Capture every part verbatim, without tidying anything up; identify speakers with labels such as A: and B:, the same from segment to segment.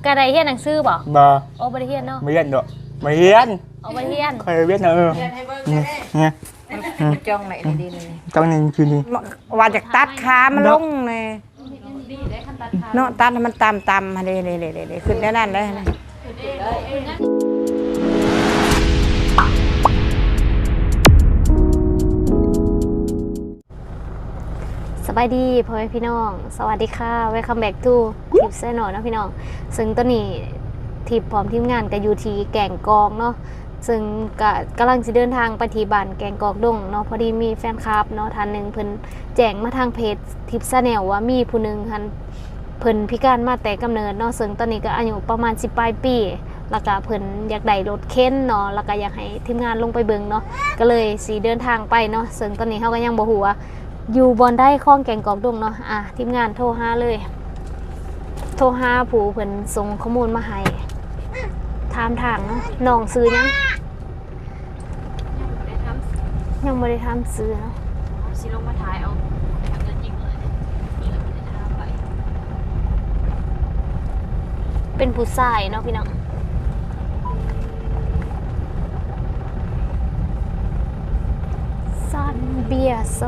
A: กระไดเฮียนหนังสือบ่
B: บ่
A: โอ้บ่ได้เฮียนเนาะ
B: ไม่เรียนดอกไม่เรียน
A: โอ้บ่ได้เฮียน
B: เคยเรียนเออเนี่ย
C: จ้องไหนดีเลย
B: จ้องนี่คือนี่
C: ว่าจากตัดขามันลงเลยเนาะตัดให้มันต่ำต่ำมาเลยเลยเลยเลยขึ้นได้นั่นเลย
A: สบายดีพ่อแม่พี่น้องสวัสดีค่ะ Welcome back to ทิปเซนอนะพี่น้องซึ่งตอนนี้ทิปพร้อมทีมงานก็อยู่ที่แก่งกองเนาะซึ่งก็กำลังจะเดินทางไปที่บ้านแก่งกองดงเนาะพอดีมีแฟนคลับเนาะท่านหนึ่งเพิ่นแจ้งมาทางเพจทิปซาแนลว่ามีผู้หนึ่งท่านเพิ่นพิการมาแต่กำเนิดเนาะซึ่งตอนนี้ก็อายุประมาณสิบปลายปีแล้วก็เพิ่นอยากได้รถเข็นเนาะแล้วก็อยากให้ทีมงานลงไปเบิ่งเนาะก็เลยสิเดินทางไปเนาะซึ่งตอนนี้เฮาก็ยังบ่ฮู้ว่าอยู่บอนได้คล้องแก่งกอกดงเนาะอ่ะทีมงานโทรหาเลยโทรหาผู้เพิ่นส่งข้อมูลมาให้ถามทางเนาะน้องซื้อยังยังไม่ได้ทำซื้อเนาะสิลงมาถ่ายเอาเงินจริงเลยนี่เราไม่ได้ทำไปเป็นผู้ชายเนาะพี่น้องซันเบียโซ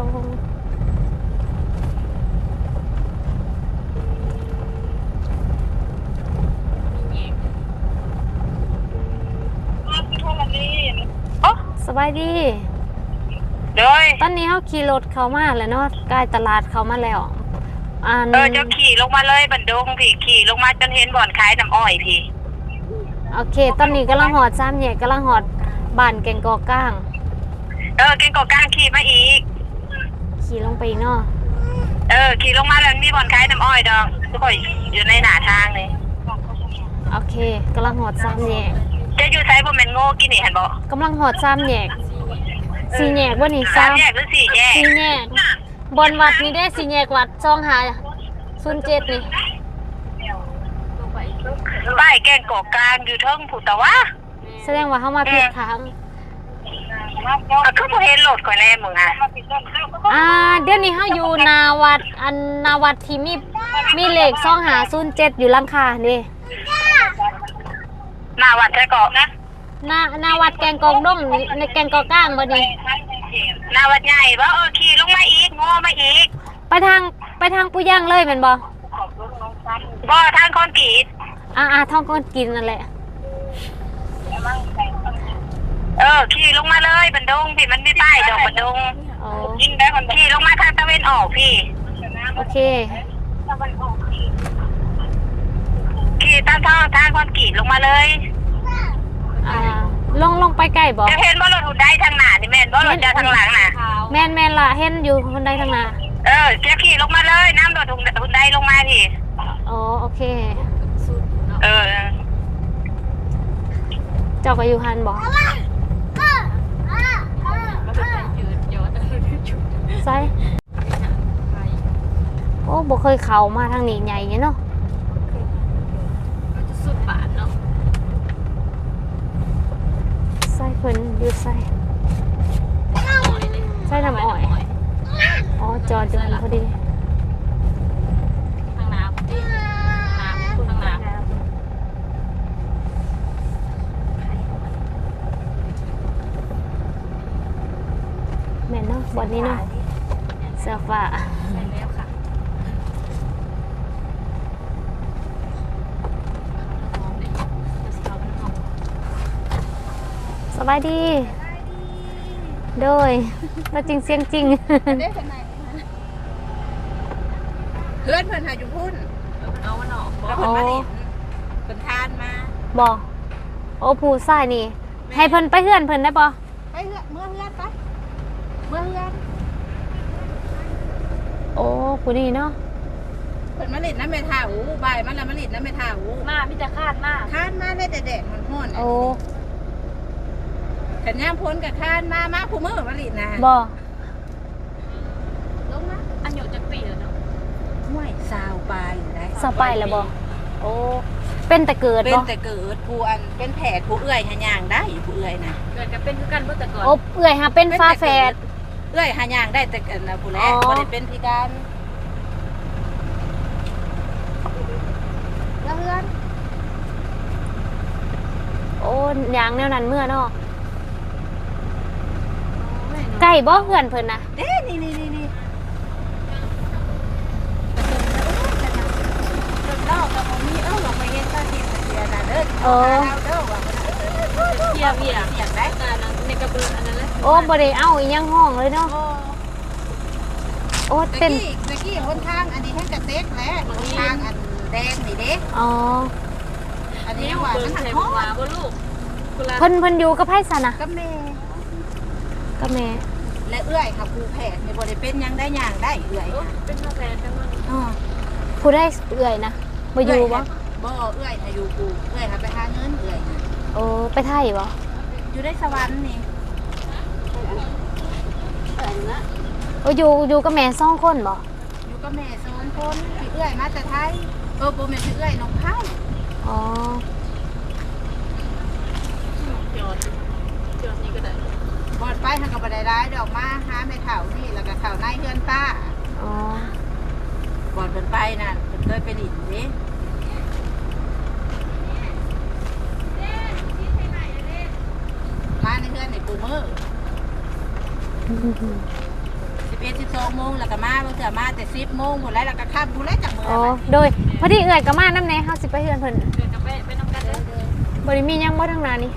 A: สบายดี
D: โดย
A: ตอนนี้เขาขี่รถเข้ามาแล้วเนาะใกล้ตลาดเข้ามาแล้ว
D: อันเออจะขี่ลงมาเลยบันดงพี่ขี่ลงมาจนเห็นบ่อนขายน้ำอ้อยพี่
A: โอเคตอนนี้กำลังหอดซ้ำเนี่ยกำลังหอดบ้านแกงกอก้าง
D: เออแกงกอก้างขี่มาอีก
A: ขี่ลงไปอีกเนาะ
D: เออขี่ลงมาแล้วมีบ่อนขายน้ำอ้อยดองทุกคนอยู่ในหน้าทางเลย
A: โอเคกำลังหอดซ้ำเนี่ย
D: จะอยู่ไซบ่แม่นโง่กินนี่เห็นบ่
A: กำลังหอดซ้ำเนี่ยสี่แยกว่านี่
D: ซ้ำแยกหรือสี่แยก
A: สี่แยกบนวัดนี่ได้สี่แยกวัดช่องหาศูนย์เจ็ดนี่
D: ป้ายแกงกอกลางอยู่เทิงผู้ตะวะ
A: แสดงว่าเขามาผิดทาง
D: อ่ะคือบ่เห็นรถข่อยแน่มึงอ่ะ
A: อ่าเดี๋ยวนี้เขาอยู่นาวัดอันนาวัดที่มีมีเลขช่องหาศูนย์เจ็ดอยู่หลังคานี่
D: หน้าวัดใช่เกาะนะ
A: นานาวัดแกงกองดงในแกงกอก้างบ่ดี
D: หน้าวัดใหญ่บ่เออขี่ลงมาอีกงอมาอีก
A: ไปทางไปทางปุย่างเลยแม่นบ่
D: บ่ทางคอนกรีต
A: อ่าอ่าท้องก้นกินนั่นแหละ
D: เออขี่ลงมาเลยบันดงพี่มันมีป้ายดอกบันดงยิงได้คนขี่ลงมาทางตะเวนออกพี่
A: โอเค
D: ขี่ตามทางทางคอนกรีตลงมาเลย
A: อ่าลงลงไปใกล้บ่
D: จะเห็นบ่รถหุ่นได้ทางหน้านี่แม่นบ่รถจะทางหลังน่ะ
A: แม่นแม่นล่ะเห็นอยู่คนใดทางหน้า
D: เออจะขี่ลงมาเลยน้ำรถหุ่นได้ลงมาพี่
A: อ๋อโอเค
D: เออ
A: เจ้าก็อยู่หันบ่ใช่โอ้บ่เคยเข้ามาทางนี้ใหญ่เนาะสุดบาทเนาะใส่เพิ่นอยู่ใส่ใส่น้ำอ้อยอ๋อจอดอยู่พอดีทางน้ำพอดีน้ำทางน้ำแม่นเนาะวันนี้เนาะเสื้อฟ้าสบายดีโดยแล้วจริงเสียงจริง
C: เพื่อนเพื่อนหาอยู่พุ่นเอาวันออกบอกเพื่อนมาดิเพื่อนทานมา
A: บอกโอ้ผู้ชายนี่ให้เพิ่นไปเฮือนเพิ่นได้ปะ
C: ไปเฮือนเมื่อเฮือนไปเมื่อเฮือน
A: โอ้ผู้นี้เนาะ
C: เพื่อนมาลิดน้ำเมทาอูบ่ายมันละมาลิดน้ำเมทาอู
A: มามิจะคาดมาก
C: คาดมาได้แต่แดดมันห้อน
A: โอ้
C: ขันย่างพ้นกับคานมามาผู้มือมาลิดนะ
A: บ่
C: ลงนะ
A: อันอยู่จักปีแล้วเนาะ
C: ห้วยสาวปลายอยู่ได้
A: สาวปลายแล้วบ่โอ้เป็นแต่เกิดบ่
C: เป็นแต่เกิดผู้อันเป็นแผดผู้เอื้อยหาย่างได้ผู้เอื้อยนะ
A: เกิดก็เป็นคือกันบ่แต่ก่อนโอ้เอื้อยหาเป็นฟ้าแฝด
C: เอื้อยหาย่างได้แต่กันนะผู้แลบ่ได้เป็นพิการ
A: แล้วเพื่อนยางแนวนั้นเมื่อเนาะไก่บ่เพื่อนเพิ่นนะ
C: เด้นี่นี่นี่นี่เล่ากับผมมีเอ้าลงไปเห็นตาที่เสียน่ะเด้อ
A: โอ้
C: เอาเด้อว่าเสียเบียเสียได้ในกระเบื้องอันนั้นเลย
A: โอ้บ่ได้เอาอีหยังห้องเลยเนาะโอ้
C: ตะ
A: เป็น
C: กี้ตะกี้หนทางอันนี้ให้กระเต็กแหละหนทางอันแดงนี่เด้
A: อ๋อ
C: อันนี้ว่ามันหันห้องบ่ลูก
A: เพิ่นเพิ่นอยู่กับไผซะนะ
C: ก็แม่
A: กับแม่
C: และเอื้อยค่ะครูแพทย์นี่บ่ได้เป็นหยังได้หยังได้เอื้อยเป็นครูแพทย์จังว่าอ๋อ
A: ผู้ได้เอื่อยนะบ่อยู่บ่
C: บ่เอื้อยน่ะอยู่กูเอื้อยหาไปหาเงินเอื้อยน่ะ
A: โอ้ไปไทยบ่
C: อยู่ในสวรรค์นี่
A: โอ้อยู่อยู่กับแม่สองคนบ่
C: อยู่กับแม่สองคนพี่เอื้อยมาแต่ไทยเออบ่แม่นพี่เอื้อยน้องไผ่
A: อ๋อ
C: บอดไปทางกับบันไดร้ายดอกมาหาแม่เฒ่านี่แล้วก็เฒ่าในเฮือนป้า
A: อ๋อบ
C: อดเพิ่นไปน่ะเพิ่นเคยไปดินเด้มาในเฮือนนี่ปูมือสิบเอ็ด สิบสองโมงแล้วก็มาบางเทื่อมาแต่สิบโมงหมดแล้วแล้วก็ข้ามผู้แล้วจากมือ
A: อ๋อ
C: ไป
A: โดยพอดีเอื่อยก็มานำแน่เฮาสิไปเฮือนเพิ่นเดินไปไปนำกันเด้อบ่ได้มีหยังบ่ทางหน้านี่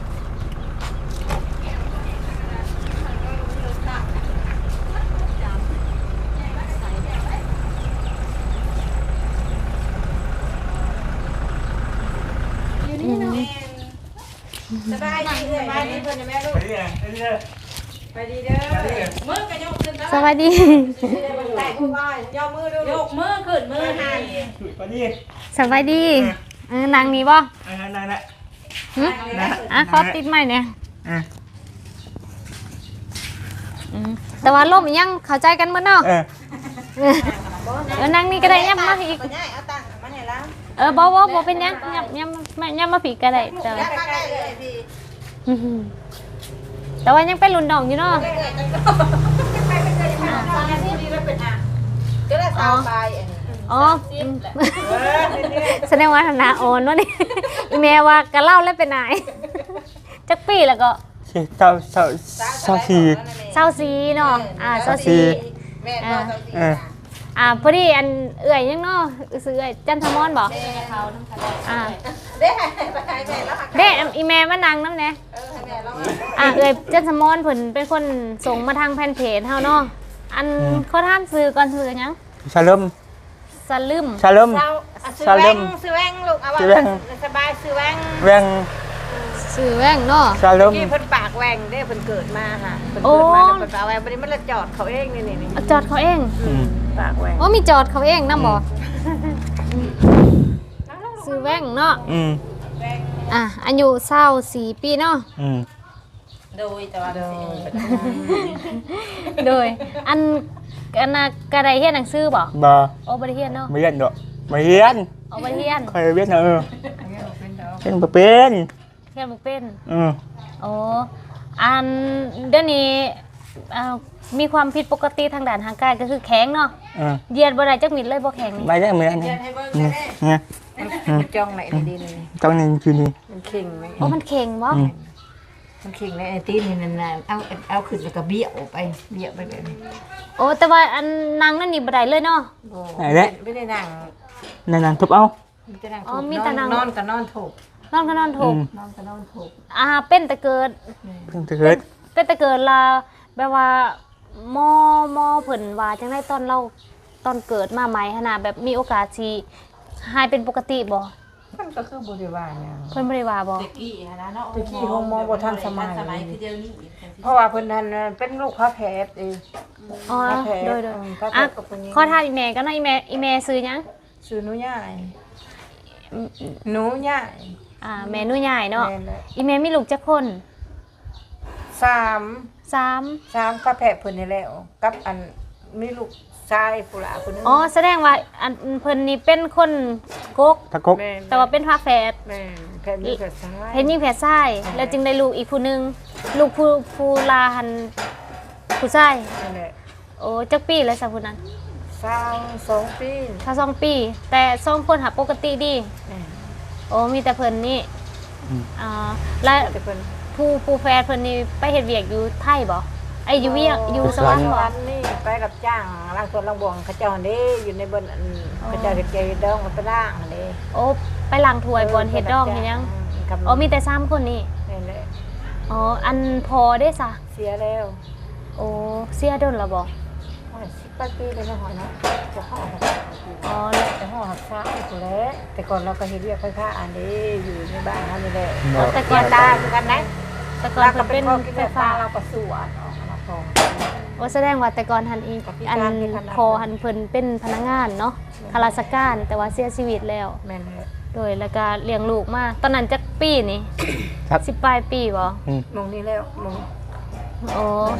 C: สบายดีเอื้อยสบายดีเพิ่นแม่ลูก
B: ไปดิไปดิ
C: ไปดีเด้อมือกระยกขึ้น
A: สวัสดี
C: แต่ผู้ว่ายกมือดูยกมือขึ้นมือหัน
B: ไปดิ
A: สวัสดีเออนางนี้บ่
B: อ่านั่นแหละ
A: หึอ่ะขอติดไม้เนี่ย
B: อ่ะ
A: อืมแต่ว่าล่มยังเข้าใจกันหมดเนาะ
B: เออ
A: เออนางนี่ก็ได้ยับมาอีก
C: ก็ได้เอาตังค์มาให้แล้ว
A: เออบ่บ่บ่เป็นหยังยับยับมายับมาผีก็ได้แต่ว่า
C: แล้วก็ได้เลยพี่
A: อื้อหือแต่ว่ายังเป็นรุ่นน้องอยู่เนาะ
C: ไปไปเลยค่ะตอนนี้ดีแล้วเป็นอ่ะก็ได้สาวไปอันนี้
A: อ๋อแสดงว่าฐานะอ่อนวะนี่ อีแม่ว่าก็เล่าแล้วเป็นนาย จักปีแล้วก็
B: เศร้าเศร้าเศร้าสี่
A: เศร้าซีเนาะอ่าเศร้าซี
C: แม่ก็สาวสี
B: เออ
A: อ่าพอดีอันเอื่อยยังเนาะซื้อเอื่อยจันทมอนบอกอ่า
C: ได้ไปให้แม่แล้วค่ะ
A: เด้อีแม่มานั่งน้ำเนี่ย
C: เออให้แม่แล้ว
A: อ่าเอื่อยจันทมอนเพิ่นเป็นคนส่งมาทางแผ่นเพจเฮาเนาะอันเขาท่านซื้อก่อนซื้อหยัง
B: ชาลม
A: สลึม
B: ชาลม
C: ซื้อแว่งซื้อแว่งลูกเอาว่าสบายซื้อแว่ง
B: แวง
A: ซื้อแว่งเนาะ
B: ชาลม
C: ที่เพิ่นปากแว่งเด้เพิ่นเกิดมาค่ะเพิ่นเกิดมาเพิ่นปากแว่งบัดนี้มันละจอดเขาเองนี่นี่
A: เอาจอดเขาเอง
B: อืม
C: ปากแว่ง
A: ว่ามีจอดเขาเองนำบ่ซื้อแว่งเนาะ
B: อืม
A: อ่ะอายุเศร้าสี่ปีเนาะ
B: อืม
C: โดยแต่ว่าโดย
A: โดยอันอันน่ะกระไดเฮียนหนังสือบ่
B: บ่
A: โอ้บ่ได้เฮียนเนาะ
B: ไม่เรียนดอกไม่เรียน
A: เอาบ่ได้เฮียน
B: ใครเรียนเออเป็นบ่เป็น
A: เฮียนบ่เป็น
B: อืม
A: โอ้อันเดี๋ยวนี้อ่ามีความผิดปกติทางด้านทางกายก็คือแข็งเนาะ
B: อ่า
A: เหยียดบ่ได้จักมิดเลยบ่แข็งนี่
B: ไม่ได้เหมือนกันนี่เนี่ย
C: จ้องไหนดีนี่
B: ต้องนี่คือนี่
C: มันเข่งไหม
A: โอ้มันแข็งบ่
B: อืม
C: มันเข่งในไอตีนี่นานๆเอาเอาขึ้นแล้วก็เบี้ยวไปเบี้ยวไปแบบนี้
A: โอ้แต่ว่าอันนางนั่นนี่บ่ได้เลยเนาะ
C: ไม่ได้นั่ง
B: นั่นๆทุบเอา
C: มีแต่นั่ง
A: อ๋อมีแต่นั่ง
C: นอนก็นอนถูก
A: นอนก็นอนถูก
B: อืม
C: นอนก็นอนถูก
A: อ่าเป็นแต่เกิด
B: เพิ่งจะเกิด
A: เป็นแต่เกิดลาแบบว่าหมอหมอเพิ่นว่าจังได๋ตอนเราตอนเกิดมาใหม่ขนาดแบบมีโอกาสสิหายเป็นปกติบ่
C: มันก็คือบริวารเนี่ย
A: เพิ่นบ่ได้ว่าบ่
C: ตะกี้นะเนาะตะกี้โฮโมบ่ทันสมัยคือเดี๋ยวนี้เพราะว่าเพิ่นนั้นเป็นลูกพระแพทย์เอง
A: อ๋อ
C: พระแพทย์
A: โดยโดย
C: พระแพ
A: อ่ะ
C: ทย์กับคนนี้
A: ขอทานอีแม่ก็นะอีแม่อีแม่ซื้อหยัง
C: ชื่อหนูใหญ่หนูใหญ่
A: อ่าแม่หนูใหญ่เนาะ
C: แม่นแหละ
A: อีแม่มีลูกจักคน
C: สาม
A: สาม
C: สามพระแพทย์เพิ่นนี่แล้วกับอันมีลูกชายผู้หลาคนนึง
A: อ๋อแสดงว่าอันเพิ่นนี่เป็นคนกก
B: ตะกก
C: แม่
A: แต่ว่าเป็นพระแฝด
C: แม่แพทย์มีแพทย์ชาย
A: เห็นยิ่งแฝดชายแล้วจึงได้ลูกอีกผู้หนึงลูกผู้ผู้ลาหันผู้ชาย
C: นั่นแหละ
A: โอ้จักปีแล้วซะผู้นั้น
C: สาวสองปี
A: ถ้าสองปี แต่สองคนหาปกติดี
C: แม่
A: โอ้มีแต่เพิ่นนี่อ๋อแล้ว
C: แต่เพิ่น
A: ผู้ผู้แฟนเพิ่นนี่ไปเฮ็ดเวียกอยู่ไทยบ่ไอ้อยู่เวียกอยู่สวรรค์บ่
C: วันนี่ไปรับจ้างล้างสวนล้างบ่วงเขาเจ้าหั่นเด้อยู่ในบนอันเขาเจ้าเฮ็ดเกยดองมันไปล้างหั่นเด้
A: โอ้ไปล้างถ้วยบนเฮ็ดดองเฮ็ดหยังอ๋อมีแต่สามคนนี่
C: นี่แหละ
A: อ๋ออันพอได้ซะ
C: เสียแล้ว
A: โอ้เสียดนแล้วบ่
C: โอ้ยสิบกว่าปีเลยนะหอยเนาะจะห่อหัก
A: อ๋อ
C: จะห่อหักษาอยู่พุ่นแหละแต่ก่อนเราก็เฮ็ดเวียกไฟฟ้าอันนี้อยู่ในบ้านเฮานี่แหละ
A: แต่ก่อน
C: ตาคือกันนะ
A: แต่ก่อน
C: เราก็
A: เพิ่น
C: เป็
A: เป็น น
C: พ่อกิน
A: ไฟ
C: ไฟฟ้า
A: ฟ้า
C: เราก็สวนออกมาพอง
A: โอ้แสดงว่าแต่ก่อนหันอีกอันพอหันเพิ่นเป็นพนักงานเนาะข้าราชการแต่ว่าเสียชีวิตแล้ว
C: แม่นเลย
A: โดยแล้วก็เลี้ยงลูกมาตอนนั้นจักปีนี่
B: ครับ
A: สิบปลายปีบ่
B: อืม
C: มองนี่แล้วมอง
A: โอ้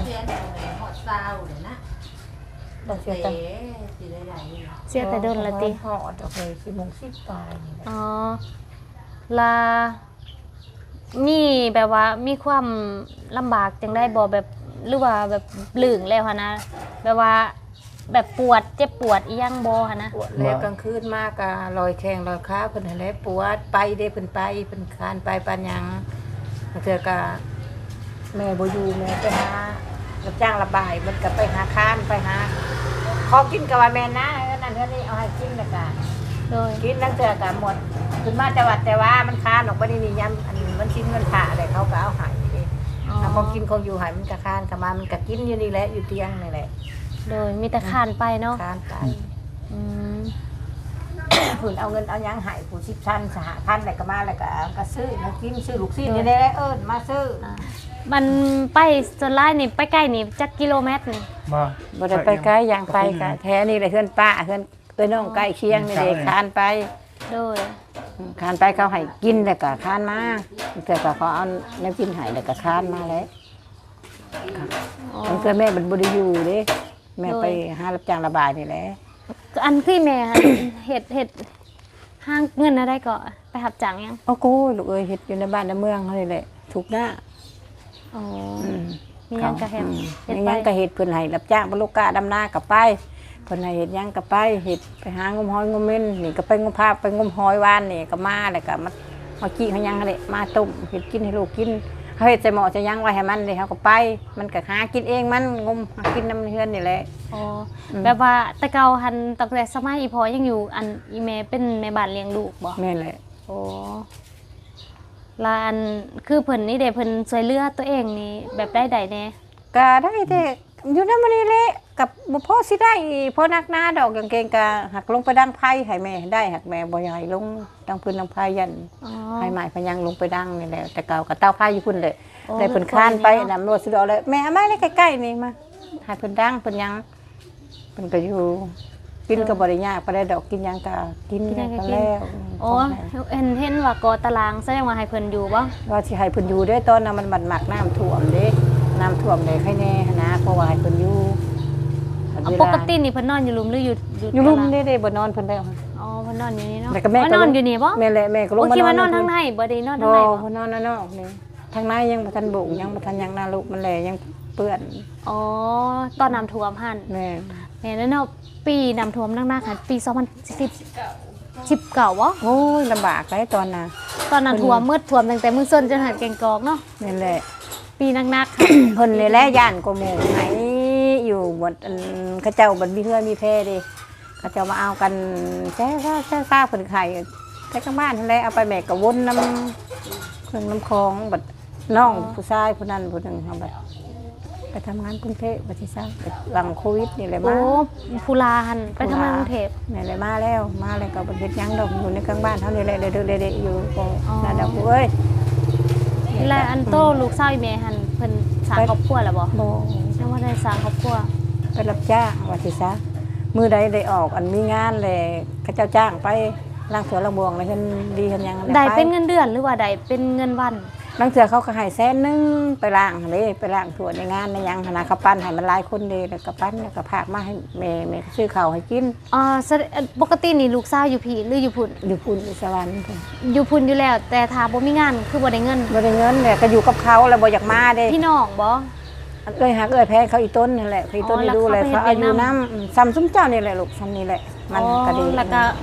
C: เราเสียตังค์
A: เสียแต่ดนละติ
C: ห่อดอกเลยสิโมงสิบปลายนี่แหละ
A: อ๋อลามีแบบว่ามีความลำบากจังได้บ่แบบหรือว่าแบบลื่งแล้วหั่นนะแบบว่าแบบปวดเจ็บปวดอีหยังบ่หั่นนะ
C: ปวดแล้วกลางคืนมากก็ลอยแข้งลอยขาเพิ่นนั่นแหละปวดไปเด้เพิ่นไปเพิ่นคานไปปานหยังบางเทื่อก็แม่บ่อยู่แม่ไปหารับจ้างระบายมันก็ไปหาค้านไปหาขอกินก็ว่าแม่นะเออนั่นเท่านี้เอาให้กินแล้วก็
A: โดย
C: กินนั่งเทื่อก็หมดขึ้นมาแต่ว่าแต่ว่ามันค้านออกบ่ได้นี่ยามอันมันชิ้นเงินผ่าอะไรเขาก็เอาให้เด้
A: อ๋อ
C: เอาของกินของอยู่ให้มันก็ค้านก็มามันก็กินอยู่นี่แหละอยู่เตียงนี่แหละ
A: โดยมีแต่คานไปเนาะ
C: ค้านไป
A: อืม
C: ผืนเอาเงินเอาหยังใหายผู้สิบชั้นสหพันธ์อะไรก็มาแล้วก็ก็ซื้อแล้วกินซื้อลูกชิ้นนี่ได้เอิ้นมาซื้อ
A: อ่ามันไปส่วนหลายนี่ไปใกล้นี่จักกิโลเมตรนี่
B: บ่
C: บ่ได้ไปไกลอย่างไปก็แท้นี่แหละเฮือนป้าเฮือนเอ้ยน้องใกล้เคียงนี่เด้คานไป
A: โดย
C: คานไปเขาให้กินแล้วก็คานมาแต่ก็เขาเอาน้ำกินให้แล้วก็คานมาแล้ว
A: อ๋อ
C: มันคือแม่มันบ่ได้อยู่เด้แม่ไปหารับจ้างระบายนี่แหละ
A: อันคือแม่หั่น เฮ็ดเฮ็ดห้างเงินอะไรก็ไปหับจังยัง
C: โอ้โกลูกเอ้ยเฮ็ดอยู่ในบ้านในเมืองเขานี่แหละทุกหน้า
A: อ๋อ
C: อืม
A: มีหยังก็เฮ็ด
C: อืม
A: เฮ็ด
C: มี
A: ไป
C: หยังก็เฮ็ดเพิ่นให้รับจ้างบรรลุกาดำนาก็ไปเพิ่นให้เฮ็ดหยังก็ไปเฮ็ดไปหางมหอยงมเม่นนี่ก็ไปงมภาพไปงมหอยวานนี่ก็มาแล้วก็มามากี้เขาหยังหั่นแหละมาต้มเฮ็ดกินให้ลูกกินเขาเฮ็ดใส่หม้อใส่หยังไว้ให้มันเลยเขาก็ไป มันก็หากินเองมันงมหากินน้ำเฮือนนี่แหละ
A: อ๋ออ
C: ม
A: แบบว่าแต่เก่าหันตั้งแต่สมัยอีพอยังอยู่อันอีแม่เป็นแม่บ้านเลี้ยงลูกบ่
C: แม่นแหละ
A: โอ้ลาอันคือเพิ่นนี่เด้เพิ่นช่วยเหลือตัวเองนี่แบบได้ใดแน่
C: ก็ได้แต่อยู่นำมันนี่แหละกับบ่พอสิได้พอนักหน้าดอกกางเกงก็หักลงไปดังไผให้แม่ได้หักแม่บ่อยากให้ลงดังพื้นดังไผยัน
A: อ๋อ
C: ให้ไม้พยังลงไปดังนี่แหละแต่เก่าก็เต้าไผอยู่พุ่นเลย
A: โอ้
C: ได้เพิ่นคลานไปนำรถสุดเอาเลยแม่เอามาเลยใกล้ๆนี่มาให้เพิ่นดังเพิ่นยังเพิ่นก็อยู่กินก็บ่ได้ยากบ่ได้ดอกกินหยังก็กิน
A: กินหยังก็
C: ก็
A: กิน
C: แล้ว
A: โอ้เห็นเห็นว่ากอตารางแสดงว่าให้เพิ่นอยู่บ่
C: ว่าสิให้เพิ่นอยู่เด้อตอนนั้นมันบัดหมักน้ำท่วมเด้น้ำท่วมได้ใครแน่หั้นนะเพราะว่าให้เพิ่นอยู่
A: เอาปกตินี่เพิ่นนอนอยู่รุมหรืออยู่
C: อยู่รุม
A: ตาราง
C: เด้เด้บ่นอนเพิ่นได้
A: อ๋อเพิ่นนอนอยู่นี่เนาะ
C: แล้วก็แม่
A: อ๋อ
C: ก็
A: นอนอยู่นี่บ่
C: แม่แหละแม่ก็ลง
A: โอ้
C: มา
A: คิดว่าน
C: น
A: อ
C: อน น
A: ทางในบ่ได้นอนทาง
C: บ่
A: ในบ่
C: เพิ่นนอนนอกนี่ทางในยังบ่ทันบุกยังบ่ทันยังนาลูกมันแลยังเปื้อน
A: อ๋อตอนน้ำท่วมหั่น
C: แม่
A: แม่แล้วเนาะปีน้ำท่วมหนักๆหั่นปีสองพันสิบ สิบเก้าบ่
C: โอ้ยลำบากหลายตอนน่ะ
A: ตอนนั้นท่วมมืดท่วมตั้งแต่มื้อส้นจนหาดแกงกอกเนาะ
C: นั่นแหละ
A: ปีหนักๆค่ะ
C: เพิ่นนี่แหละย่านกว่าหมู่ไหนอยู่หมดอันเขาเจ้าบัดมีเฮือมีแพร่เด้เขาเจ้ามาเอากันแซ่ซ่าๆๆเพิ่นไข่ไปข้างบ้านนั่นแหละเอาไปแม่ก็วนน้ำเครื่องน้ำคลองบัดน้องผู้ชายผู้นั้นผู้หนึงเฮาบัดไปทำงานกรุงเทพบัดที่ซ่าไปหลังโควิดนี่แหละ
A: โอ้
C: มา
A: ภูลาหันไปทำงานกรุงเทพ
C: นี่แหละมาแล้วมาแล้วก็บ่เฮ็ดหยังดอกอยู่ในกลางบ้านเฮานี่แหละเด้อๆๆอยู่ก็
A: อ๋อ
C: นั่นดอกเอ้ย
A: และอันโตลูกสาวอีแม่หันเพิ่นสร้างครอบครัวแล้วบ่
C: บ่
A: ยังบ่ได้สร้างครอบครัว
C: ไปรับจ้างว่าสิซะมื้อใดได้ออกอันมีงานแลเขาเจ้าจ้างไปล้างสวนล้างบ่วงแล้วเพิ่นดีเพิ่นหยัง
A: ได้เป็นเงินเดือนหรือว่าได้เป็นเงินวัน
C: บางเทื่อเขาก็ให้แสนหนึงไปล้างเด้ไปล้างสวนในงานในหยังหั่นน่ะเขาปั้นให้มันหลายคนเด้แล้วก็ปั้นแล้วก็พากมาให้แม่แม่ซื้อข้าวให้กิน
A: อ่าแสดปกตินี่ลูกสาวอยู่พี่หรืออยู่พุ่น
C: อยู่พุ่นอยู่สวรรค์พุ่น
A: อยู่พุ่นอยู่แล้ว แต่ถ้าบ่มีงานคือบ่ได้เงิน
C: บ่ได้เงินแหละก็อยู่กับเขาแล้วบ่อยากมาเด้
A: พี่น้องบ่
C: เอ้ยหักเอ้ยแพ้เขาอีต้นนี่แหละเขาอีต้น
A: อ๋อ
C: นี่ดูเลย
A: แล้ว
C: เขา
A: เขาไปเฮ็ด
C: อายุ
A: เวียดนาม
C: น้ำซ้ำซุ้มเจ้านี่แหละลูกซ้ำนี่แหละมัน
A: อ๋อ
C: ก็ดี
A: แล้วก็
C: อืม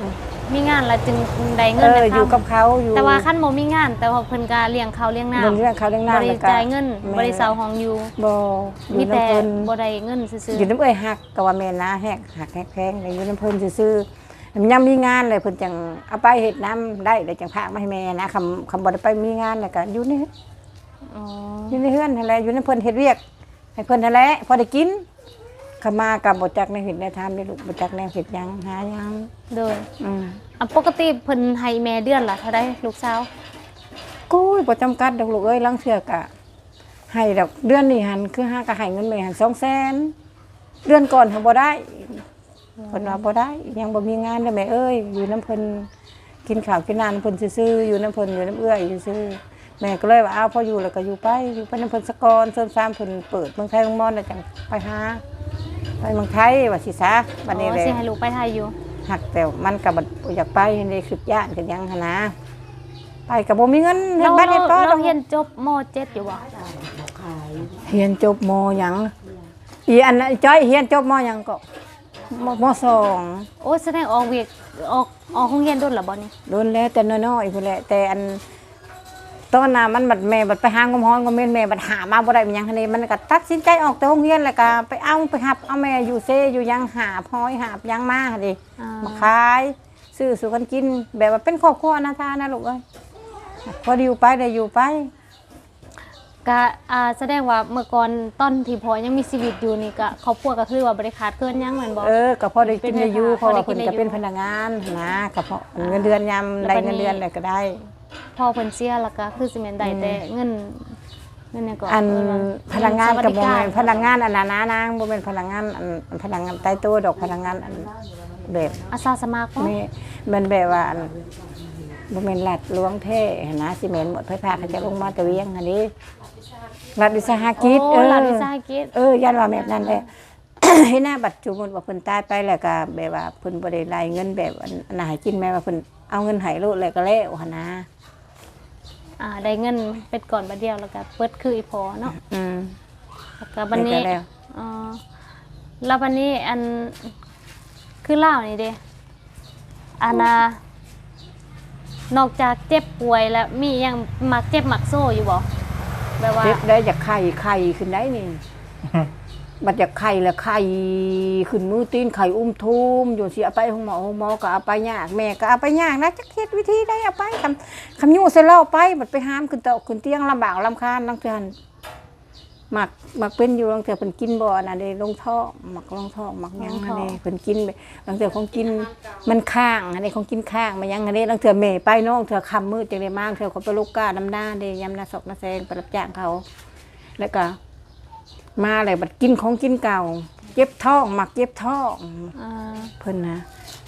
A: มีงานแล้วจึงได้
C: เอ
A: เงิน
C: อ
A: ได้
C: อยู่กับ
A: ทำ
C: เขาอยู่
A: แต่ว่าคันบ่มีงาน แต่ว่าเพิ่นก็เลี้ยงข้าวเลี้ยงน้ำ
C: เงินเรื่องเขาเรื่อง
A: บ่
C: น้ำ
A: ได้
C: แล้วก็
A: จ่ายเงิน
C: แม่
A: บ่ได้เซาห้องอยู่
C: บ่อ
A: มี
C: ยู่
A: แต่
C: น้ำเพิ่น
A: บ่ได้เงินซื่อ
C: อยู่น้ำเอ้ยหักก็ว่าแม่นนะแหกหักแหกแพงเลยอยู่น้ำเพิ่นซื่อๆมันยังมีงานเลยเพิ่นจังเอาไปเฮ็ดน้ำได้เลยจังพากมาให้แม่นะคำคำบ่ได้ไปมีงานแล้วก็อยู่นี่
A: ๆอ๋อ
C: อยู่ในเฮือนนั่นแหละอยู่น้ำเพิ่นเฮ็ดเวียกให้เพิ่นนั่นแหละพอได้กินขมากับบ่จักในเฮ็ดในทำได้ลูกบ่จักแนวเฮ็ดหยังหาหยัง
A: โดย
C: อืม
A: อ่ะปกติเพิ่นให้แม่เดือนละเท่าใดลูกสาว
C: กูยบ่จำกัดดอกลูกเอ้ยลังเทื่อกะให้ดอกเดือนนี้หันคือหาก็ให้เงินแม่หันสองแสนเดือนก่อนหันบ่ได้เพิ่นว่าบ่ได้ยังบ่มีงานเด้อแม่เอ้ยอยู่น้ำเพิ่นกินข้าวกินน้ำเพิ่นซื่อๆอยู่น้ำเพิ่นอยู่น้ำเอื้อยซื่อๆแม่ก็เลยว่าอ้าวพออยู่แล้วก็อยู่ไปอยู่ไปน้ำเพิ่นสะกอนเสริมสร้างเพิ่นเปิดเมืองไทยเมืองมอนแล้วจังไปหาไปเมืองไทยว่าสิซะบัดนี้
A: อ๋อ
C: เลย
A: สิให้ลูกไปไทยอยู่
C: หักแต่มันก็บ่อยากไปในคิดย่านกันยังหั่นนะไปก็บ่มีเงินเฮ็
A: เรา
C: ดบ้านเฮ็ด
A: เรา
C: ต่อ
A: เราเรียนจบม เจ็ด อยู่บ่
C: เรียนจบมหยังอีอันนั้นจ้อยเรียนจบมหยังก็มมสอง
A: โอ้แสดงออกเวียกออกออกโรงเรียนโดนล่ะบ่นี่
C: โดนแล้วแต่น้อยๆพุ่นแหละแต่อันตอนน่ะมันบัดแม่บัดไปหางมฮ้อนก็แม่นแม่บัดหามาบ่ได้มันหยังหั่นนี่มันก็ตัดสินใจออกแต่โรงเรียนแล้วก็ไปเอาไปหับเอาแม่อยู่เซอยู่หยังหาพอยหาบหยังมาหั่นดิ
A: อ่า
C: มาขายซื้อสู่กันกินแบบว่าเป็นครอบครัวนะทานะลูกเอ้ยพอไดอยู่ไปได้อยู่ไป
A: ก็อ่าแสดงว่าเมื่อก่อนตอนที่พ่อยังมีชีวิตอยู่นี่ก็ครอบครัวก็คือว่าบ่ได้ขาดเกินหยังแม่นบ่
C: เออก็พอได้กินได้อยู่
A: เป็น
C: เพราะว่า
A: พอ
C: เพิ่น
A: ได้กินได้อยู่
C: ก็เป็นพนักงานนะก็เพราะเงินเดือนยาม
A: แล้ว
C: ได้
A: บัดนี้
C: เงินเดือนอะไรก็ได้
A: พ่อเพิ่นเสียแล้วก็คือสิแม่นได้แต่เงินเงินหยังก็
C: อัน
A: เว่า
C: พนักงานกับ
A: ส
C: โม
A: วัสดิ
C: เม
A: ร
C: นพนักงานอันนั้นนะนางโมเมนพนักงานอันอันพนักงานใต้โต๊ะดอกพนักงานอันแบบ
A: อาสาสมัครบ่
C: ไม่มันแบบว่าอันโมเมนหลัดล้วงเท่นะซีเมนต์หมดไฟฟ้าเขาจะลงมาตะเวียงอันนี้รัฐวิสาหกิจ
A: โอ้
C: เออ
A: รัฐวิสาหกิจ
C: เออยันว่าแบบนั้นแหละ ให้หน้าบัตรจุมนว่าเพิ่นตายไปแล้วก็แบบว่าเพิ่นบ่ได้รายเงินแบบอันอันไหนกินแม่ว่าเพิ่นเอาเงินให้ลูกแล้วก็แล้วหั่นนะ
A: อ่าได้เงินเป็นก่อนบัดเดียวแล้วก็เปิดคืออีพอเนาะ
C: อืม
A: แล้วก็บัดนี้
C: ได้แล้ว
A: อ๋อแล้วบัดนี้อันคือเล่าวนี่เด้อันน่ะนอกจากเจ็บป่วยแล้วมีหยังมักเจ็บมักโซ่อยู่บ่แบบว่า
C: เจ็บได้จากไข่ไข่ขึ้นได้นี่ บัดจากไข่แล้วไข่ขึ้นมือตีนไข่อุ้มทุ่มอยู่สิเอาไปห้องหมอห้องหมอก็เอาไปยากแม่ก็เอาไปยากนะจักเฮ็ดวิธีได้เอาไปคำคำยู่เสร็จแล้วเอาไปบัดไปหามขึ้นเตาขึ้นเตียงลำบากลำคาญลังเทือนหมักหมักเป็นอยู่ลังเทือเพิ่นกินบ่น่ะเด้ลงท้องหมักลงท้องหมักหยังอันนี้เพิ่นกินไปลังเทือของกินมันข้างอันนี้ของกินข้างมายังอันนี้ลังเทือแม่ไปน้องเทือค่ำมืดจังได้มาเทือเขาไปลูกก้าน้ำหน้าเด้ยำหน้าศอกหน้าแซงไปรับจ้างเขาแล้วก็ มาเลยบัดกินของกินเก่าเจ็บท้องหมักเจ็บท้อง
A: อ่า
C: เพิ่นนะ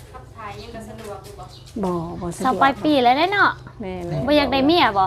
C: บ่บ่สะดวก
A: สาวปลายปีแล้วเด้เนาะ
C: แม่เลย
A: บ่อยากได้เมียบ่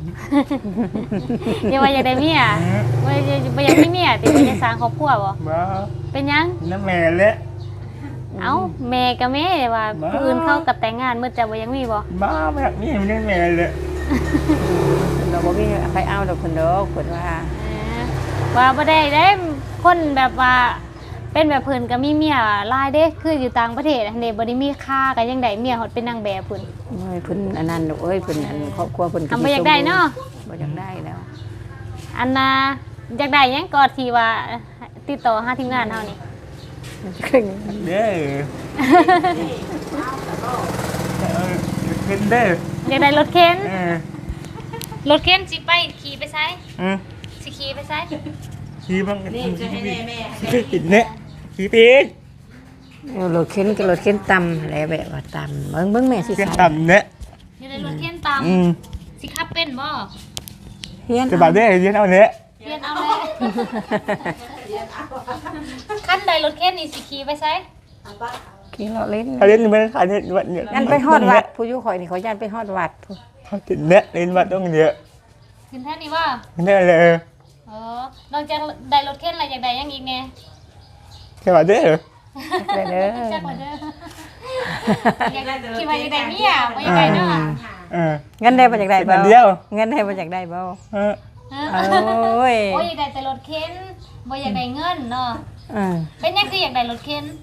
A: อย่าว่าอยากได้เมียบ่อยากบ่อยากมีเมียติบ่อยากสร้างครอบครัวบ่
B: มา
A: เป็นหยัง
B: น้ำแม่และ
A: เอ้าแม่กับแม่ว่า
B: บ้า
A: ผู้อื่นเขากับแต่งงานมืดจะบ่ยังมีบ่
B: มาแบบนี้มันน้ำแม่เลย
C: เราบ่มีไปเอาดอกเพิ่นดอกเพิ่นว่า
A: เออว่าบ่ได้ได้คนแบบว่าเป็นแบบเพิ่นก็มีเมียหลายเด้คืออยู่ต่างประเทศอันนี้บ่ได้มีค่าก็ยังได้เมียฮอดเป็นนางแบบพุ่น
C: โอ้ยเพิ่นอันนั้นดอกเอ้ยเพิ่นอันครอบครัวเพิ่น
A: ทำบ่อยากได้เนาะ
C: บ่อยากได้แล้ว
A: อันน่ะอยากได้หยังก็ที่ว่าติดต่อหาทีมงานเฮานี่
B: เด้อเออขึ้นเด้อ
A: อยากได้รถเข็น
B: เออ
A: รถเข็นสิไปขี่ไปไส
B: อืม
A: สิขี่ไปไส
B: ขี่บ้างนี่จะให้แม่แม่ขี่เนี่ยขี่ปีก
C: เอารถเข็นกับรถเข็นตำอะไรแบบว่าตำเบิ่งเบิ่งแม่สิ
B: เส้น
C: ใส่
B: ต่ำเนี่ย
A: อยากได้รถเข็นตาม
B: อืม
A: สิขับเป็นบ่
C: เฮียน
B: จะบาดได้เรียนเอาเนี่ย
A: เรียนเอาเลยขั้นใดรถเข็นนี่สิขี่ไปไส
C: ขี่รถเล่น
B: เขาเรียนไม่ได้ขายเนี่ยวัดเนี่ย
C: ยันไปฮอดวัดผู้อยู่ข่อยนี่เขายันไปฮอดวัดผู้
B: เขาติดเนี่ยเรียนวัดต้องเยอะ
A: ขึ้นแท่นี้ว่า
B: เนี่ยเลย
A: เออนอกจากได้รถเข็นแล้วอยากได้หยังอีกแน่
B: จะบาดได้เหรอ
C: ไปเด้อ
A: จักว่าเด้ออยากได้คิดว่าอยากได้เมียบ่อยากได้เนาะ
B: เออ
C: เงินได้มาจากใด
B: เป็นอั
C: เบ้าน
B: เดียว
C: เงินได้มาจากใดเบ้า
B: เออ
A: ฮะ
C: โอ้ย
A: โอ้ยอยากได้แต่รถเข็นบ่อยากได้เงินเนาะ
C: อ่า
A: เป็นหยังคืออยากได้รถเข็น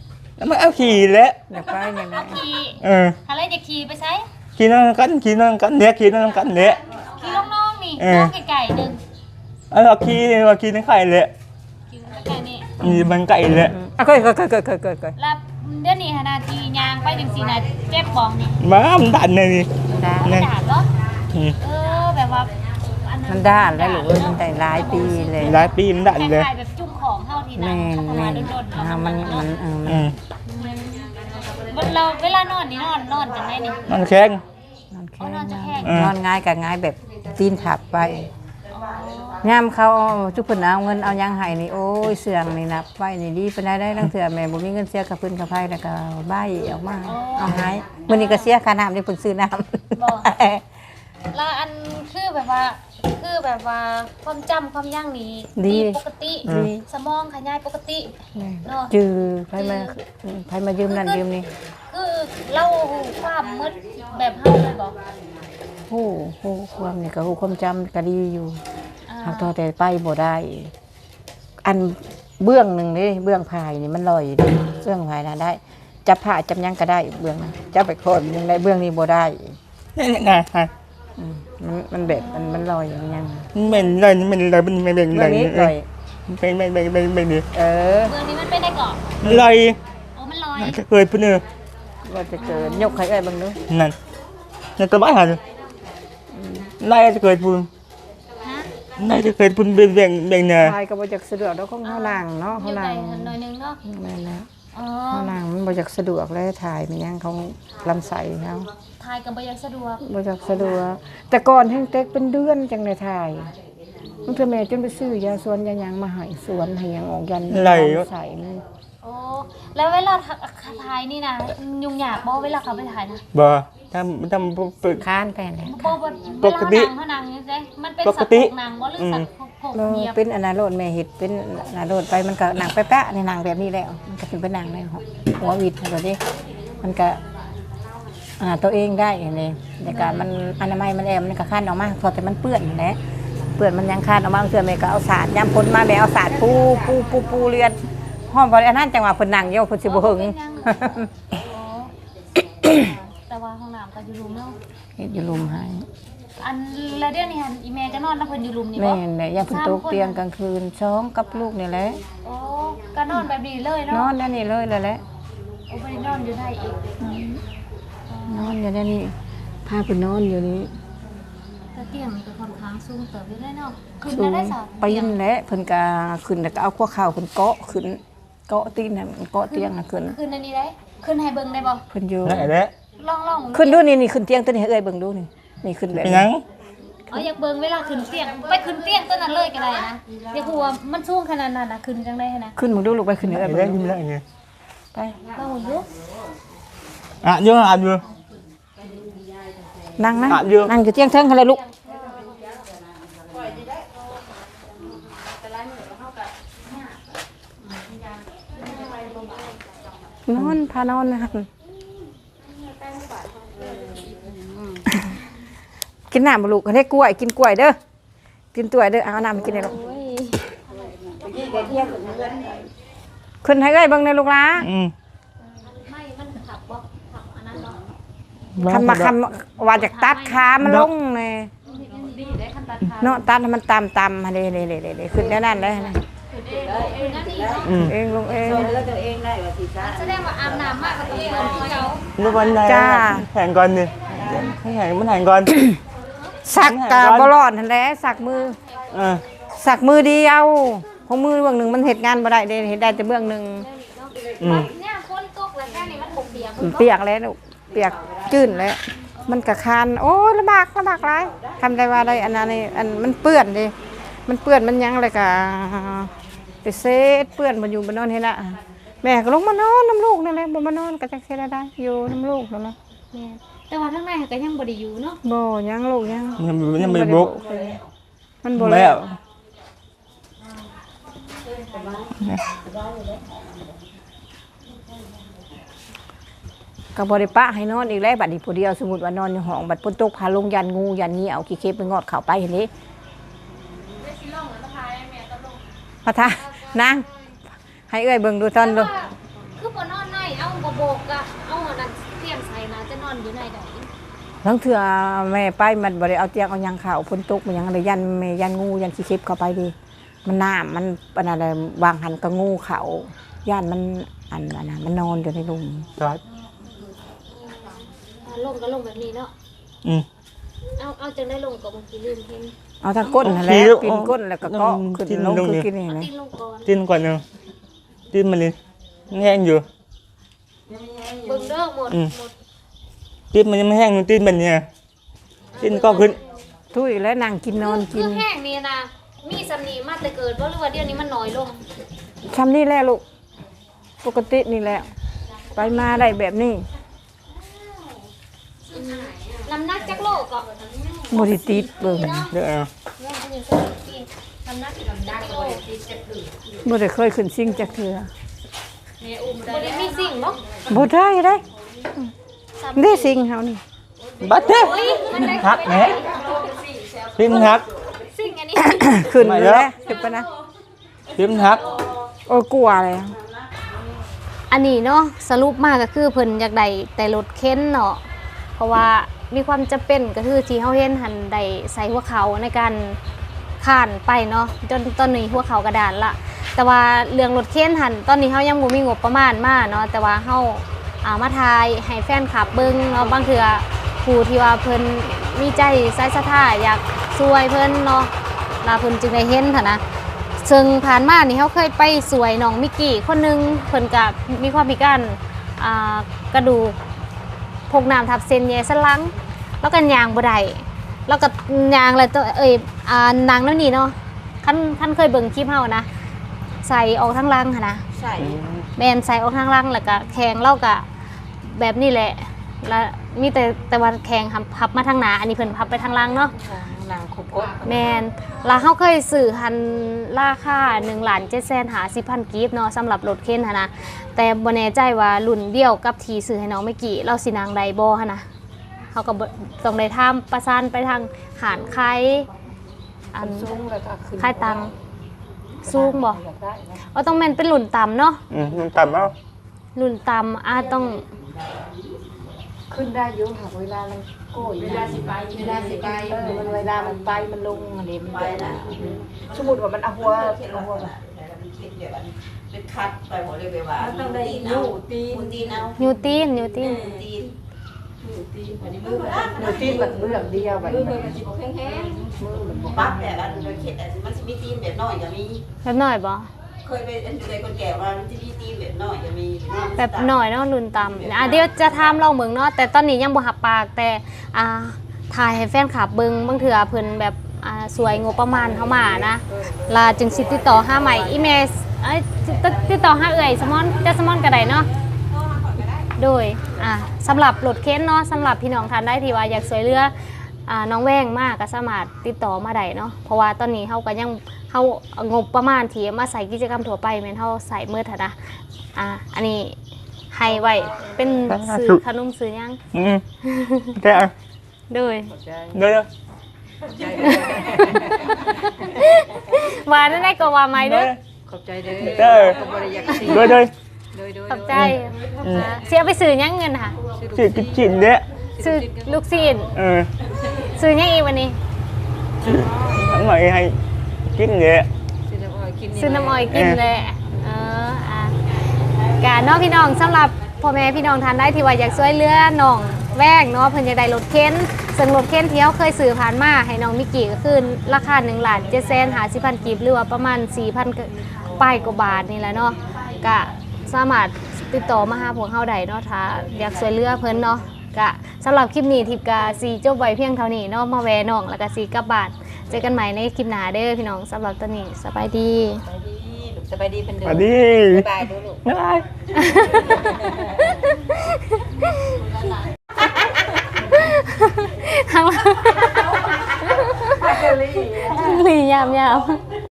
B: แล้วมันเอาขี่แล้ว
C: อยากไปยังไง
A: เอาขี่
B: เออ
A: อะไรจะขี่ไปใช้
B: ขี่นั่งกันขี่นั่งกันเนี่ยขี่นั่งกันเนี่ย
A: ขี่น้องๆนี่
B: เออ
A: น้องไก่ๆหนึ่ง
B: เอาขี่เอาขี่นั่งไข่เลย
A: ขี่ไก่นี่
B: มีมันไก่เลย
C: อ่ะเคยเคยเคยเคยเคยเคยเคย
A: แล้วเดี๋ยวนี้หนาทียางไปจังสีนะเจ็บบ้องนี่
B: มามันดันเลยนี่
C: ได้
A: มันด่าเหรอ
B: อืม
A: เออแบบว่าอั
C: มันด้านแล้วหรือมันได้หลายปีเลย
B: หลายปีมันดัน
A: ค
B: เลย
A: ล้ายๆแบบจุ่มของเท่าที่นะ
C: แม่น
A: พัฒ
C: แม่
A: นาน โดนๆแล้ว
C: อ่ามันมันเออ
B: อื
C: มัน
B: ม
A: เราเวลานอนนี่นอนนอนจังไดนี่
B: มันแข็ง
C: นอนแค่
A: นอนจะแข็ง
B: อืม
C: นอนง่ายกับง่ายแบบตีนถับไป
A: อ๋อย
C: ามเขาจุกเพิ่นเอาเงินเอายังให้นี่โอ้ยเสื่องนี่นับไว้นี่ดีปานใดได้ตั้งเถื่อแม่บ่มีเงินเสียกับเพิ่นกับไผแล้วก็บ้ายออกมาเอาหายมื้อนี้ก็เสียค่าน้ำที่เพิ่นซื้อน้ำ
A: บอกแล้วอันคือแบบว่าคือแบบว่าความจำความย่างนี้ปกติสมองขยายปกติเนาะ
C: จือไผมาไผมายืมนั่นยืมนี่
A: คือเล่าความมืดแบบเฮาเลยบอก
C: โอ้โหความนี่ก็ฮู้ความจำก็ดีอยู่
A: อ่า
C: หากตัวแต่ไปบ่ได้ อันเบื้องหนึงนี่เบื้องพายนี่มันลอยอยู่เด้เบื้องพายน่ะได้จับผ้าจับหยังก็ได้เบื้องนั้นจับไปโคนยังได้เบื้องนี้บ่ได้
B: นี่ไงฮะ
C: อืมมันมันแบบมันมันลอยอย่างยัง
B: มันเป็นเลยมันเลยมันเป็นเป็นเล
C: เบื้อง
B: ย
C: นี้ลอย
B: เป็นเป็นเป็นเป็นเป็นนี่
C: เออ
A: เมืองนี้มันเป็นได้ก่อน
B: ลอย
A: โอ้มันลอย
B: จะเคยพูดเนอ
C: ว่าจะเกิดยกใครเอ้ยเบิ่งดู
B: นั่นนั่นตัวบ้าหันนายจะเคยพูด
A: ฮะ
B: นายจะเคยพูดเป็นเป็นเป็นเนอ
C: ทายก็บ่จักสะดวกดอกของเฮานั่งเนาะ
A: อ
C: เฮา
A: ยู่ไหน
C: นั่ง
A: หน่อยนึงเนาะ
C: แม่นแล้ว
A: อ๋อ
C: เฮานั่งมันบ่จักสะดวกเลยถ่ายมันยังของลำไส้เฮา
A: ทายกับบยังสะดวก
C: บ่จักสะดวกแต่ก่อนแห้งเต็กเป็นเดือนจังได้ถ่ายมันคือแม่จนไปซื้อยาสวนยาหยังมาให้สวนให้หยังออกยันลำไส้เลย
A: โอ้แล้วเวลาทายนี่นะยุ่งยากบ่เวลาเขาไปถ่ายนะ
B: บ่ทำทำฝึก
C: ค้านไปแล้ว
A: บ่บ่เวลาหนังเขาหนังนี่ไงมันเป็นสัตว์ของหนังบ่หรือสัตว์ของ
C: เรา
A: เงียบ
C: เป็นอนาโรดแม่เฮ็ดเป็นอนาโรดไปมันก็หนังแป๊ะๆในหนังแบบนี้แล้วมันก็เป็นเป็นหนังในหัววิดแบบนี้มันก็อ่าตัวเองได้นี่ในการมันอนามัยมันแอมมันก็คั้นออกมาพอแต่มันเปื้อนนั่นแหละเปื้อนมันยังคั้นออกมาเพื่อแม่ก็เอาสารย้ำพ้นมาแม่เอาสารปูปูปูปูเรือนห้องบ่ได้อันนั้นจังหวะเพิ่นนั่งอยู่เพิ่นสิบ่หึง
A: แต่ว่าห้องน้ำก็อยู่รุมเนาะ
C: เฮ็ดอยู่ลุมให้
A: อันแล้วเดี๋ยวนี้อีแม่ก็นอนแล้วเพิ่นอยู่รุมนี่บ่
C: แม่นแหละยังเพิ่นตกเตียงกลางคืนช้องกับลูกนี่แหละ
A: โอ้ก็นอนแบบนี้เลย
C: น
A: เนาะ
C: อนนั่นนี่เลยเลยแหละ
A: โอ้บ่ได้นอนอยู่ได้อีก
C: นอนอยู่นั่นนี่พาเพิ่นนอนอยู่นี่
A: แต่เตียงมันก็ค่อนข้างสูงเติบอยู่ได้เนาะขึ้น
C: สูง
A: ได้ซะ
C: ปีนแหละเพิ่นก็ขึ้นแล้วก็เอาพวกข้าวเพิ่นเกาะขึ้นเกาะตีนน่ะมันเกาะเตียงน่ะขึ้น
A: ขึ้นอันนี้ได้ขึ้นให้เบิ่งได้บ่
C: เพิ่นอยู่
B: ได้แล้ว
A: ลองๆ
C: ขึ้นดูนี่นี่ขึ้นเตียงตัวนี้ให้เอ้ยเบิ่งดูนี่นี่ขึ้นแบบ
B: เป็นยัง
A: อ๋ออยากเบิ่งเวลาขึ้นเตียงไปขึ้นเตียงตัวนั้นเลยก็ได้นะอยากรู้ว่ามันสูงขนาดนั้นน่ะขึ้นจังได้นะ
C: ขึ้นมึงดูลูกไปขึ้นให้เอ้ย
B: ได้
C: เบิ่ง
B: ได้
C: ดู
B: ได้ไง
C: ไป
A: ลองอยู่
B: อ่ะยังอ่ะอยู่
C: นั่งนะ
B: อ่ะอยู่
C: นั่งอยู่เตียงเทิงหั่นเลยลูกนอนพานอนนะครับกินน้ำบ่ลูกให้กล้วยกินกล้วยเด้อกินกล้วยเด้อเอาน้ำมากินได้ลูกขึ้นให้เอ้ยเบิ่งในลูกหลา
B: อืม
A: ไม่มันขับบ่ขับอันนั้นเนาะ
C: คำมาคำว่าจากตัดขามันลงเลย
A: ดีได้คันตัดขา
C: เนาะตัดให้มันตามตามมาเลยเลยเลยเลยขึ้นได้นั่นเลยนะ
A: ขึ้นนั่นนี่เนาะ
B: อืม
C: เองลงเอง
A: แสดงว่าอาบน้ำมากกับตัวเองคือเก่า
B: ลูกวันไหน
C: จ้า
B: แข่งก่อนดิให้แข่งมันแข่งก่อน
C: สักกะบลอดนั่นแหละสักมือ
B: เออ
C: สักมือเดียวของมือเบื้องหนึ่งมันเห็ดงานบ่ได้เด้เห็ดได้แต่เบื้องหนึ่ง
B: อืม
A: เนี่ยคนตกแล้วแค่นี้มันบกเปียก
C: เปียกแล้วลูกเปียกจื้นแล้วมันกะคานโอ้ยลำบากลำบากหลายทำได้ว่าได้อันนั้นนี่อันมันเปื้อนดิมันเปื้อนมันยังเลยกะไปเซตเปื้อนมันอยู่บนนอนเห็นละแม่ก็ลงมานอนน้ำลูกนั่นแหละบ่มานอนก็จักเสียได้อยู่น้ำลูกนั่นแหละ
A: แม่แต่ว่าข้างในก็ยังบ่ได้อยู่เนาะ
C: บ่ยังลูกยัง
B: ยังยังไม่บุก
C: มันบ่
B: แล้
C: แล้ว
B: ว
C: ก็บ่ได้ปะให้นอนอีกแล้วบัดนี้ผู้เดียวสมมุติว่านอนอยู่ห้องบัดฝนตกพาลงยันงูยันเหงี้ยวขี้เข็บไปงอดเข้าไปเห็นนี้พระทานางให้เอ้ยเบิ่งดูตอนดู
A: คือบ่นอนในมกอะเอาอันนั้นเตรียมใส่นะจะนอนอยู่ในใด
C: ทั้งเถื่อแม่ไปมันบ่ได้เอาเตียงเอาหยังเข้าฝนตกมันหยังเลยยันแม่ยันงูยันขี้เข็บเข้าไปดิมันน้ำมันปานอะไรวางหันก็งูเข้าย่านมันอันนั้นน่ะมันนอนอยู่ในหลุม
B: จอด
A: ลงก็ลงแบบนี้เนาะ
B: อืม
A: เอาเอาจังได้ลงกับบางทีลืมเห็น
C: เอาทางก้นนั่นแหละ
B: ขี้
C: ปีนก้นแล้วก็เกาะขึ้น
B: จิ้ม
C: ลง
B: ลง
C: คือ
B: นี่
C: กินนี่นะ
A: ตีนลงก่อน
B: จิ้นก่อนหนึงจิ้นมันเลยแห้งอยู่
A: เบิ่งเด้อหมด
B: อืม
A: หมด
B: จิ้นมันยังไม่แห้งอยู่จิ้นมันเนี่ยจิ้นก็ขึ้น
C: ทุยแล้วนั่งกินนอนกิ
A: คื
C: น
A: อแห้งนี่นะมีสำนีมาแต่เกิดบ่หรือว่าเดี๋ยวนี้มันน้อยลง
C: ทำนี่แหละลูกปกตินี่แหละไปมาได้แบบนี้
A: น้ำหนักจักโลก็
C: บริติดเบิ่ง
B: เดี๋ยวเอา
A: แม่นอยู่สักปีน้ำหนักน้ำหนักโล
C: บ่ได้เคยขึ้นซิ่งจักเทื่อ
A: บ่ได้มีสิ่งบ่
C: บ่ได้ได้ได้ซิ่งเฮานี่
B: บัดเด้อ
A: โอ้ยมันได้
B: หักแหน่จิ้นหัก
A: สิ่งอันนี้
C: ขึ้น
B: ไม่
C: เล
B: แล้ว
C: ยขึ้นไปนะ
B: จิ้นหัก
C: โอ้ยกลัวเลย
A: อันนี้เนาะสรุปมาก็คือเพิ่นอยากได้แต่รถเข็นเนาะเพราะว่ามีความจำเป็นก็คือที่เฮาเห็นหันได้ใส่หัวเขาในการข้านไปเนาะจนตอนนี้หัวเขากระดานละแต่ว่าเรื่องรถเข็นหันตอนนี้เฮายังบ่มีงบประมาณมาเนาะแต่ว่าเฮาเอามาทายให้แฟนคลับเบิ่งเนาะบางเทื่อผู้ที่ว่าเพิ่นมีใจใส่ศรัทธาอยากช่วยเพิ่นเนาะลาเพิ่นจึงได้เห็นหั่นนะซึ่งผ่านมานี่เขาเคยไปสวยน้องมิกกี้คนหนึงเพิ่นก็มีความพิการอ่ากระดูกพกน้ำทับเส้นใยสันหลังแล้วก็ยางบ่ได้แล้วก็ยางอะไรตัวเอ้ยอ่านางนั่นนี่เนาะคันคันเคยเบิ่งคลิปเฮานะใส่ออกทั้งหลังหั่นนะ
C: ใช่
A: แม่นใส่ออกทั้งหลังแล้วก็แข็งเล่าก็แบบนี้แหละแล้วมีแต่แต่ว่าแข็งพับมาทางหน้าอันนี้เพิ่นพับไปทางหลังเนาะ
C: นางคุกก
A: แมนแล้วเขาเคยสื่อหันราคาหนึ่งล้านเจ็ดแสนหาสิบพันกีบเนาะสำหรับรถเข็นหั้นนะแต่บ่แน่ใจว่ารุ่นเดียวกับทีสื่อให้น้องไม่กี่เราสินางใดบ่หั้นนะเขาก็บ่ต้องได้ทำประสานไปทางหารคายอัน
C: สูงแล้วก็ขึ้น
A: คายตังสูงบ่ว่าต้องแม่นเป็นรุ่นต่ำเนาะ
B: อืมมันต่ำเอา
A: รุ่นต่ำอาจต้อง
C: ขึ้นได้อยู่หากเวลามันโก้ยเวลาสิไปเวลาสิไปเออมันเวลามันไปมันลงอันนี้มันไปนะสมมุติว่ามันเอาหัวเอาหัว
E: เป็นคัดไปหมดเลยแบบว่า
C: ต้องได้อยู่ตีน
E: ตีนเอา
A: นิวตีนนิวตีน
E: ตีน
C: หนูตีนแบบเรื่องเดียวแบบนี้
E: ปั๊บแต่ละโดยเขตมันจะมีตีนแบบน้อยก็มี
A: แบบน้อยบ่
E: เคยไปอันเคยคนแก่ว่ามันจะมีตีนแบบน้อยก็มี
A: แบบน้อยเนาะรุ่นต่ำอ่ะเดี๋ยวจะถามเราเมืองเนาะแต่ตอนนี้ยังบ่หับปากแต่อ่าถ่ายให้แฟนคลับเบิ่งบางเทื่อเพิ่นแบบอ่าสวยงบประมาณเข้ามานะลาจึงสิติดต่อหาใหม่อีเมลเอ้ยติดติดต่อหาเอ่ยสมอนจะสมอนก็ได้เนาะโดยอ่าสำหรับรถเข็นเนาะสำหรับพี่น้องท่านได้ที่ว่าอยากสวยเรืออ่าน้องแว้งมากก็สามารถติดต่อมาได้เนาะเพราะว่าตอนนี้เฮาก็ยังเฮางบประมาณที่มาใส่กิจกรรมทั่วไปแม่นเฮาใส่มืดหั้นนะอ่าอันนี้ให้ไว้เป็นซื้อขนมซื้อหยัง
B: อืมแค่เอา
A: โดย
B: เดี๋ยวเดี๋ยว
A: ว่านั่นได้ก็ว่าไหมเด้อ
C: ขอบใจเด้อ
B: เด้อ
C: ก็บ่ได้อยากสิ
B: เดี๋ยวเดี๋ยว
C: โดยโดย
A: ขอบใจอ่าเสียไปซื้อหยังเงินค่ะ
B: สิกินจินเด้อ
A: ซื้อลูกซีน
B: เออ
A: ซื้อหยังอีกวันนี้
B: ทั้งหมดให้กินเด้อ
C: ซื้อน้ำอ้อยกิน
A: ซื้อน้ำอ้อยกินเลยเอออ่ะกาน้องพี่น้องสำหรับพ่อแม่พี่น้องทานได้ที่ว่าอยากช่วยเหลือน้องแว้งเนาะเพิ่นอยากได้รถเข็นซึ่งรถเข็นที่เขาเคยซื้อผ่านมาให้น้องมิกกี้ก็คือราคาหนึ่งล้านเจ็ดแสนห้าสิบพันกีบหรือว่าประมาณสี่พันป้ายกว่าบาทนี่แหละเนาะก็สามารถติดต่อมาหาพวกเฮาได้เนาะถ้าอยากช่วยเหลือเพิ่นเนาะก็สำหรับคลิปนี้ทิพย์กาสีจบไว้เพียงเท่านี้เนาะมาแวะน้องแล้วก็สีกลับบ้านเจอกันใหม่ในคลิปหน้าเด้อพี่น้องสำหรับตอนนี้สบายดี
C: สบายดีเป็น
B: ส
C: เดิ
B: วั
C: ม
B: สดี
C: บ๊ายบายดูลูก
B: บ๊ายบาย
A: ทางหลียามยาว